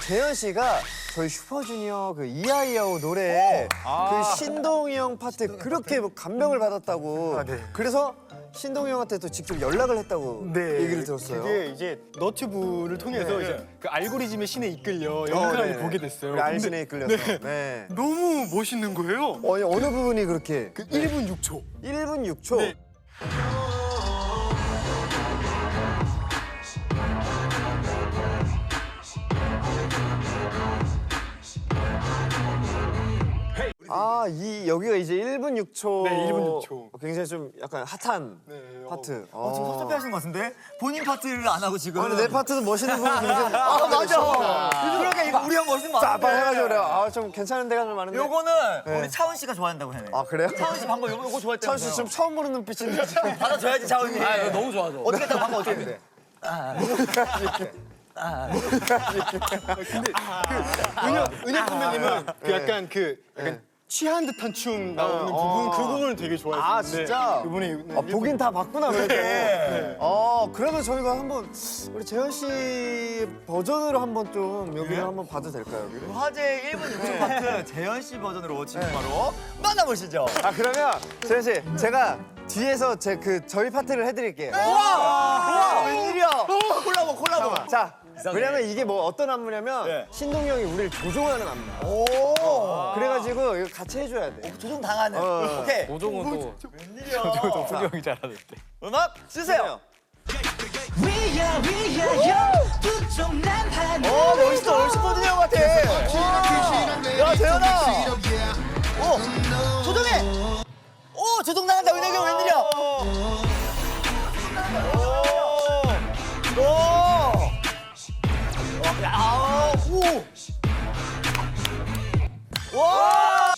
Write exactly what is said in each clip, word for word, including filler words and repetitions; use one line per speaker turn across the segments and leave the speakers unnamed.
재현 씨가 저희 슈퍼주니어 그 이아이아오 노래에
아.
그 신동이 형 파트 그렇게 뭐 감명을 받았다고.
아, 네.
그래서 신동이 형한테 또 직접 연락을 했다고 얘기를 들었어요.
그게 이제 너튜브를 통해서
네.
이제 그 알고리즘의 신에 이끌려
어,
영상을
네.
보게 됐어요.
우리 알신에
근데
이끌려서.
네.
네.
너무 멋있는 거예요.
어, 어느 부분이 그렇게?
그 일 분 육 초.
일 분 육 초.
네.
아, 이 여기가 이제 일 분 육 초.
네, 일 분 육 초.
굉장히 좀 약간 핫한
네,
파트.
어, 지금 섭섭해 하신 것 같은데? 본인 파트를 안 하고 지금.
아니, 내 파트도 멋있는 부분이 굉장히.
아, 맞아. 그러게 이거 우리 형 멋있는 거
빡
같은데.
해가지고 그래요. 아, 좀 괜찮은 데가 좀 많은데.
요거는
네.
우리 차원 씨가 좋아한다고 해.
아, 그래요?
차원 씨 방금 요거, 요거 좋아했다면서요.
차원 씨 지금 처음 보는 눈빛인데 지금.
받아줘야지 차원님. 아, 너무 좋아져. 어떻게 했다고 방금 어떻게 했는데?
근데 그 은혁 은혁 선배님은 그 약간 그 약간 취한 듯한 춤 나오는
어,
부분
어.
그 부분을 되게 좋아했는데
아, 진짜?
그분이
아, 보긴 다 봤구나, 그래도.
네.
어, 그러면 저희가 한번 우리 재현 씨 버전으로 한번 좀 여기를 한번 봐도 될까요, 여기를?
화제 일 분 육 초 파트 재현 씨 버전으로 지금 바로 만나보시죠.
아, 그러면 재현 씨, 제가 뒤에서 제 그 저희 파트를 해드릴게요.
우와! 웬일이야? 콜라보, 콜라보.
잠깐만. 자, 왜냐면 이게 뭐 어떤 안무냐면
네.
신동이 형이 우리를 조종하는 안무야.
오!
그래가지고 이거 같이 해줘야 돼.
조종 당하는.
어.
오케이.
조종은 또
웬일이야?
형이 잘하는데.
음악 주세요.
위야 위야 두쪽 난판
오, 멋있어. 멋있어. 포드니 형 같아. 야, 재현아. 오, 조종해. 오, 조종 나간다. 은혁이 형 웬일이야? 오. 오. 야, 오. 와.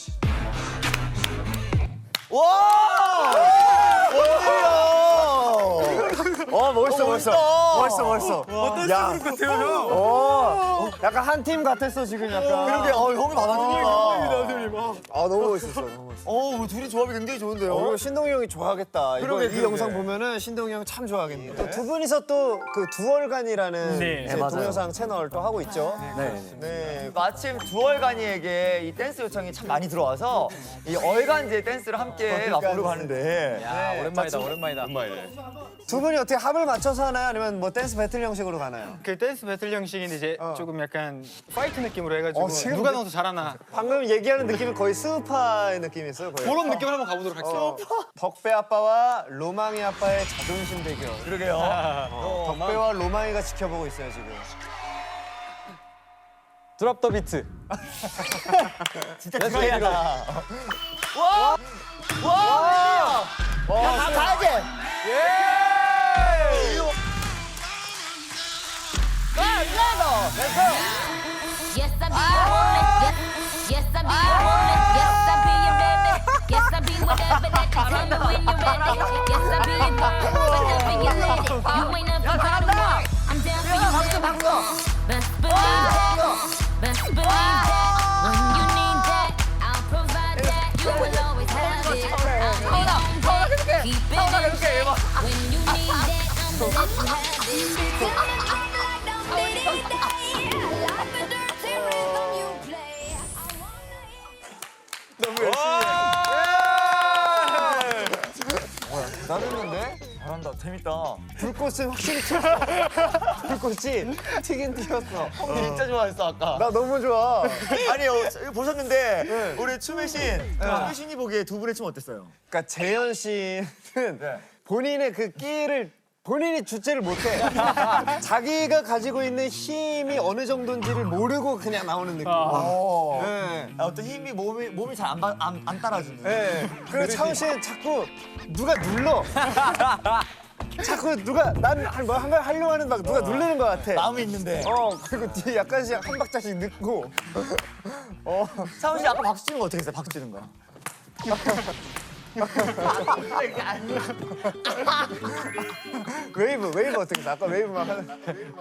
와. 웬일이야?
어, 멋있어,
어,
멋있어.
멋있다.
멋있어, 멋있어.
어떤
야.
식으로 같아요, 형?
어, 약간 한 팀 같았어, 지금 약간.
그러게, 어, 형이 받아주니까.
선생님. 아.
아, 너무 멋있었어, 너무 멋있어.
어, 우리 둘이 조합이 굉장히 좋은데요?
어, 그리고 신동이 형이 좋아하겠다. 이거
그러게,
이
그러게.
영상 보면은 신동이 형 참 좋아하겠네. 또 두 분이서 또 그 두월간이라는
네.
제
네, 맞아요.
동영상 채널 또 하고 있죠.
네. 네. 마침 두월간이에게 이 댄스 요청이 참 많이 들어와서 이 얼간제 댄스를 함께 맛보려고 하는데.
야 오랜만이다 오랜만이다.
두 분이 어떻게 합을 맞춰서 하나요? 아니면 뭐 댄스 배틀 형식으로 가나요?
그 댄스 배틀 형식인데 이제 조금 약간 파이트 느낌으로 해가지고
어, 지금
누가
느-
더 잘하나
방금 얘기하는 느낌은 거의 스우파의 느낌이 있어요. 거의.
그런 느낌을 한번 가보도록 하겠습니다.
어, 덕배 아빠와 로망이 아빠의 자존심 대결.
그러게요.
어, 덕배와 로망이가 지켜보고 있어요 지금.
드랍 더 비트.
진짜 드라이하다. 와! 와! 와! 야, 다 가야지! 예! 가! 이거다!
Yes, I'm being woman. Yes, yes, I'm being woman. Yes, I'm being baby. Yes, I'm being whatever that you tell me when you're ready. Yes, I'm being girl. Whenever you're ready. You ain't nothing but a wall. I'm down for you, baby. Best believe that. Best believe that. When you need that, I'll provide that. You will always have it. I'm on that. Keep it in check. When you need that, I'm gonna let you have it.
나는데
잘한다. 재밌다.
불꽃은 확실히 튀었어. 불꽃이 튀긴 튀었어.
진짜 좋아했어, 아까.
나 너무 좋아.
아니, 어, 이거 보셨는데 우리 춤의 신, 춤의 신이 보기에 두 분의 춤 어땠어요?
그러니까 재현 씨는 본인의 그 끼를 본인이 주체를 못해. 자기가 가지고 있는 힘이 어느 정도인지를 모르고 그냥 나오는 느낌.
어.
네.
야, 어떤 힘이 몸이 몸이 잘 안 안, 안 따라주는.
네. 그리고 차훈 씨는 자꾸 누가 눌러. 자꾸 누가 난뭐 한 번 하려고 하는 막 누가 누르는 것 같아.
마음이 있는데.
어 그리고 뒤에 약간씩 한 박자씩 늦고. 어.
차훈 씨 아까 박수 치는 거 어떻게 했어요? 박수 치는 거.
웨이브 웨이브 어떻게 했어? 아까 웨이브 막 하는.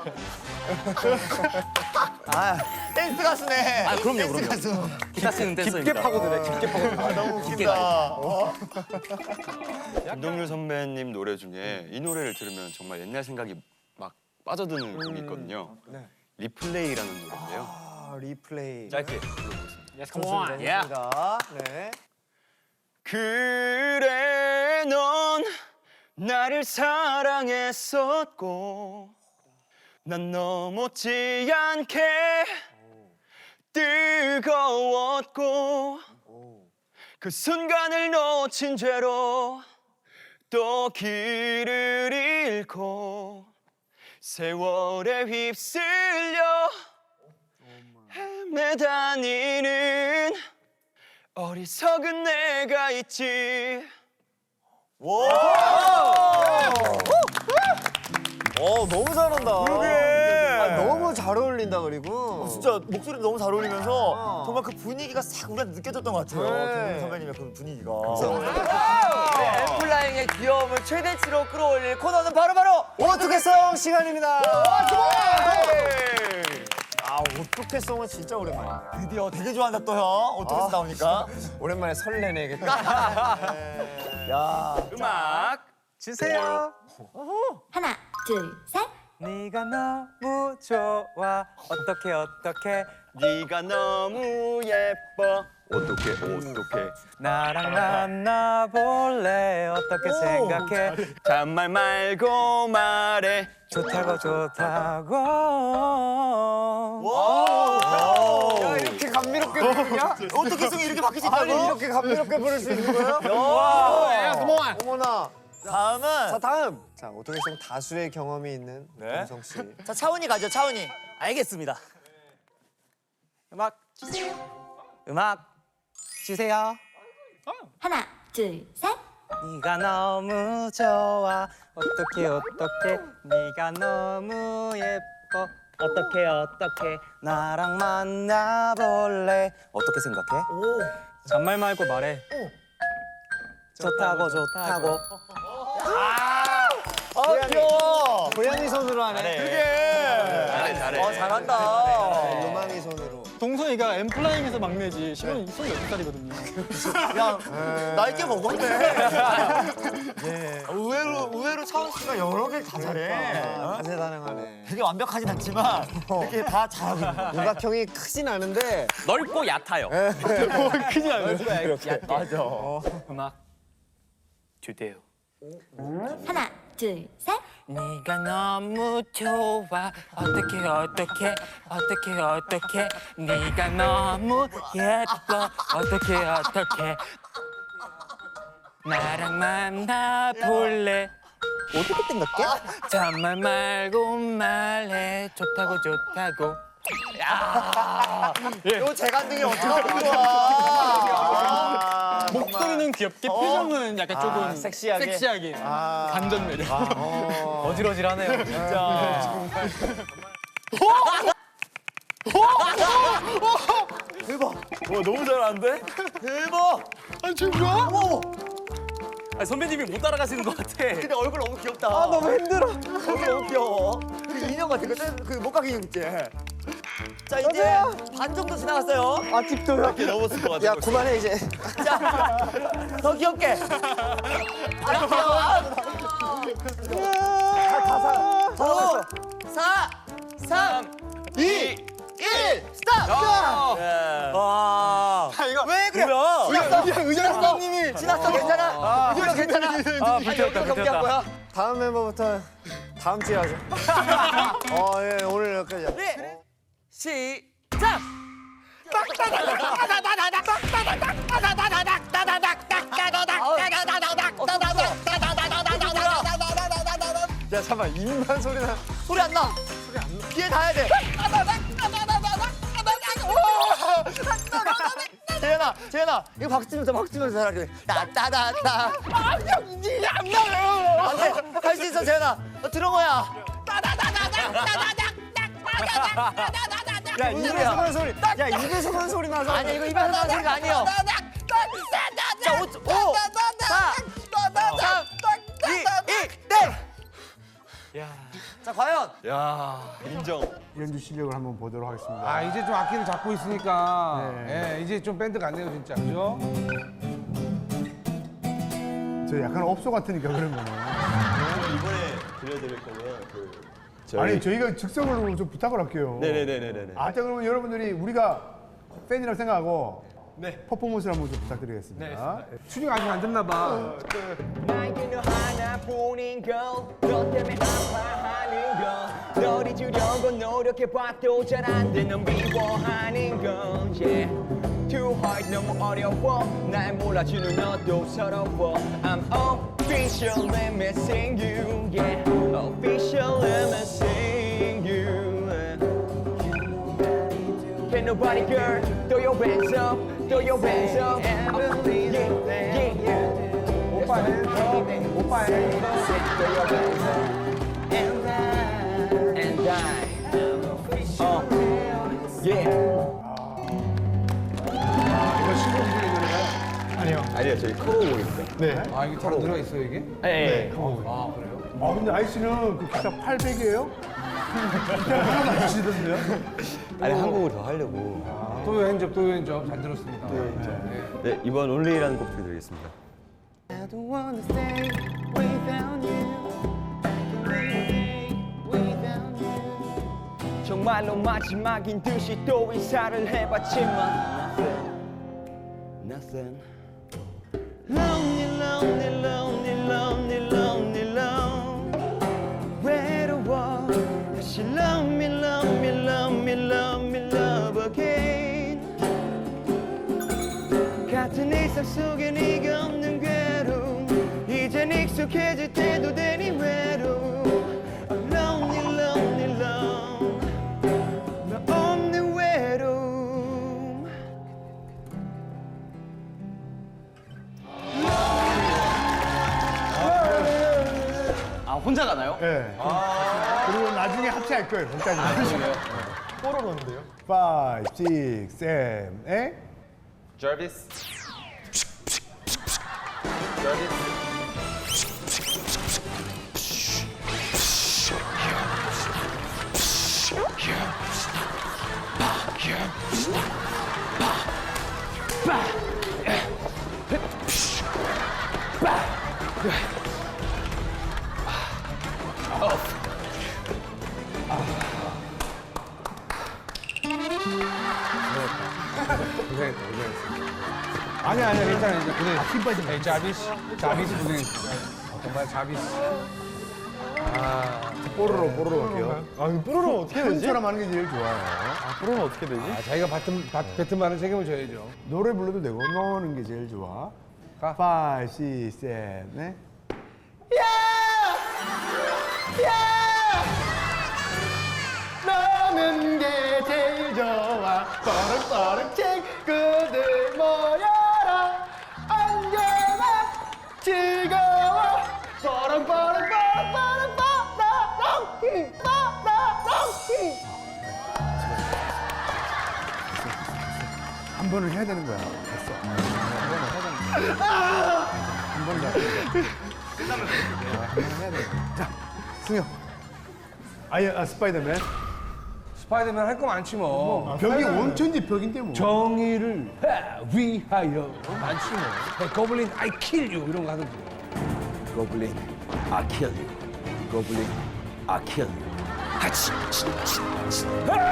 아, 댄스 가수네. 아,
그럼요,
댄스
그럼요.
가수.
기타 쓰는 댄서입니다.
깊게 파고드네. 깊게 파고드네.
아, 너무 웃긴다.
김동률 선배님 노래 중에 이 노래를 들으면 정말 옛날 생각이 막 빠져드는 곡이 있거든요.
리플레이라는 노래인데요.
아, 리플레이.
짧게.
좋습니다. 좋습니다. 네.
그래 넌 나를 사랑했었고 난 너 못지 않게 뜨거웠고 그 순간을 놓친 죄로 또 길을 잃고 세월에 휩쓸려 헤매다니는 어리석은 내가 있지.
어 너무 잘한다.
그러게. 아, 너무 잘 어울린다 그리고.
어, 진짜 목소리도 너무 잘 어울리면서 정말 그 분위기가 싹 우리한테 느껴졌던 것 같아요.
네.
동민 선배님의 그 분위기가.
네,
엠플라잉의 귀여움을 최대치로 끌어올릴 코너는 바로바로
어떻게송 시간입니다. 아, 어떻게송은 진짜 오랜만이네요.
드디어 되게 좋아한다 또 형. 어떻게 해서 나오니까.
오랜만에 설레네.
야.
음악
주세요.
하나, 둘, 셋.
네가 너무 좋아. 어떻게 어떻게
네가 너무 예뻐. 어떻게 어떻게
나랑 만나볼래? 어떻게 생각해?
잔말 말고 말해.
좋다고 좋다고.
야, 이렇게 감미롭게 부르냐?
어떻게 송이 이렇게 바뀔 수
아니,
있다고?
이렇게 감미롭게 부를 수 있는 거예요? 어머나.
다음은
자, 다음. 자, 어떻게송 다수의 경험이 있는 동성 씨.
자 차훈이 가죠. 차훈이. 알겠습니다.
음악 주세요. 음악 주세요.
하나, 둘, 셋.
네가 너무 좋아. 어떻게 어떻게 네가 너무 예뻐. 어떻게 어떻게 나랑 만나볼래? 어떻게 생각해? 잔말 말고 말해. 좋다고 좋다고.
아 귀여워.
고양이 손으로 하네.
잘해 잘해.
어 잘한다.
요망이 손으로.
동성이가 엠플라잉에서 막내지. 시간이 스물 여섯 살이거든요.
야 나이 꽤 먹었네. 예. 의외로 의외로 차훈 씨가 여러 개를 다 잘해. 어?
다재다능하네.
되게 완벽하진 않지만 이렇게 다 잘하고 있는 거야.
육각형이 크진 않은데
넓고 얕아요.
크지 않아요?
맞아.
음악 주세요.
하나, 둘, 셋.
네가 너무 좋아. 어떻게 어떻게 어떻게 어떻게 네가 너무 예뻐. 어떻게 어떻게 나랑 만나볼래?
어떻게 생각해?
잔말 말고 말해. 좋다고 좋다고.
요 재간등이 어떻게 하는 거야?
목소리는 귀엽게 표정은 약간 조금
아, 섹시하게?
섹시하게.
아.
반전 매력.
어지러지하네요.
진짜. 대박.
와 너무 잘하는데?
대박.
아니 지금 뭐야?
어머.
아니, 선배님이 못 따라가시는 것 같아.
근데 얼굴 너무 귀엽다. 아 너무 힘들어. 얼굴 너무 귀여워. 그 인형 같은 거, 그 목각 인형 있지. 자 이제 반 정도 지나갔어요.
아 팁도
이렇게 넘었을 것 같아.
야 그만해 이제.
자, 더 귀엽게. 아 귀여워. 오, 사, 삼, 이, 일, 스탑.
와.
왜 그래?
의자 의자 선생님이
지났어, 괜찮아. 이거 괜찮아.
아, 불태웠다,
경기한 거야.
다음 멤버부터 다음 주에 하죠. 어, 예, 오늘 여기까지.
네. 시작.
야 잠깐 입만 소리 나.
소리 안 나. 소리 안 나. 귀에 닿아야 돼. 재현아, 재현아, 이거 박수 치면서 박수 치면서 잘하래. 따따따따. 아, 이게 안 나요. 안 돼, 할 수 있어, 재현아. 너 드러머야.
야 입에서만 소리. 야 입에서만 소리 나서.
아니야, 이거 입에서 나는 소리가 아니에요. 자, 오, 오, 사, 삼, 이, 일, 땡. 자, 과연.
야 인정.
연주 실력을 한번 보도록 하겠습니다. 아 이제 좀 악기를 잡고 있으니까 예, 이제 좀 밴드 같네요 진짜 그죠? 저 약간 업소 같으니까 그런 거네.
이번에 들려드릴 거는 그
아니 저희가 즉석으로 좀 부탁을 할게요.
네네네네네.
아, 자 그러면 여러분들이 우리가 팬이라고 생각하고
네.
퍼포먼스를 한번 좀 부탁드리겠습니다.
수ning 아직 안 됐나 봐.
날 그녀 하나뿐인 걸 너 때문에 아파하는 걸 널 잊으려고 노력해봐도 잘 안 돼 넌 미워하는 걸 yeah. Too hard 너무 어려워 날 몰라주는 너도 서러워 I'm officially missing you yeah. Officially missing you Can nobody girl throw your hands up throw your hands up uh, yeah, yeah, yeah.
오빠 해. 오빠 해.
Throw your hands up and I and I uh, yeah
이거 신곡이의 노래야?
아니요 저희 커버곡입니다. 네.
아 이게 다 들어 있어 이게?
네.
아 그래요?
아 근데 아이씨는 그 기타 팔백이에요? 기타 하나도 안 치시던데요?
아니 한국을 더 하려고
또 여행접 또 여행접 잘 들었습니다.
네 이번 온리라는 곡 드리겠습니다.
I don't wanna stay without you. I can't stay without you.
정말로 마지막인 듯이 또 인사를 해봤지만 Nothing Lonely lonely lonely lonely lonely lonely 외로워 다시 love me love me love me love me love again 같은 일상 속에 네가 없는 괴로움 이젠 익숙해질 때도 되니 외로움 Lonely lonely lonely 너 없는 외로움 아 혼자 가나요?
네. 그리고 나중에 합체할 거예요. 거기까지.
뽀로로인데요.
five, six, seven, eight.
Jarvis.
고생했다 고생했어. 아니야 아니야 괜찮아 이제 고생했어. 힘 빠지 마. 자비스 자비스 고생했어. 정말 자비스.
뽀로로 뽀로로 할게요.
아 이거 뽀로로 어떻게 되지?
현처럼 하는 게 제일 좋아요.
아 뽀로로 어떻게 되지?
아 자기가 받은 받, 뱉은 말은 책임을 져야죠.
노래 불러도 되고 노는 게 제일 좋아.
가.
five, six, seven, eight.
너는 게 제일 좋아. 빠르빠르 친구들 모여라. 언제나 즐거워. 빠르빠르 빠르빠르 빠르롱 빠르롱.
한 번을 해야 되는 거야. 됐어. 한 번을 해야 되는 거야. 끝나면 해야 돼. 자, 승혁. 아예 아, 스파이더맨.
스파이더맨 할 거 많지 뭐.
벽이 원천지 벽인데 뭐.
정의를 위하여 많지 뭐. Hey, Goblin, I kill you 이런 거 하든지.
Goblin, I kill you. Goblin, I kill you. 하치, 치, 치, 치.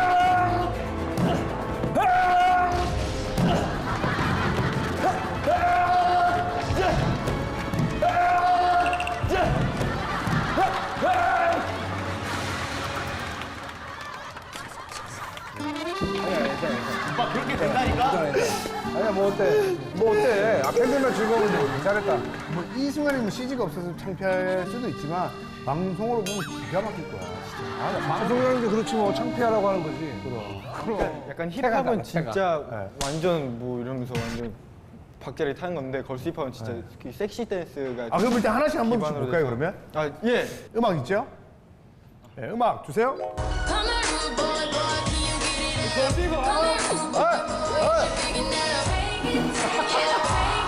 아니야 뭐 어때? 뭐 어때? 아 팬들만 즐거운데 잘했다.
뭐 이 순간에 뭐 씨지가 없어서 창피할 수도 있지만 방송으로 보면 기가 막힐 거야.
아, 방송이라는 게 그렇지 뭐 창피하라고 하는 거지. 그럼.
약간
체가 달라,
힙합은
체가.
진짜
네.
완전 뭐 이러면서 완전 박자를 타는 건데 걸스 힙합은 진짜 그 섹시 댄스가
아 그럼 일단 하나씩 한번
기반으로
볼까요
돼서.
그러면?
아 예.
음악 있죠? 네, 음악 주세요.
I'm a rude boy, boy, can you get it? I'm a rude boy, can you get it?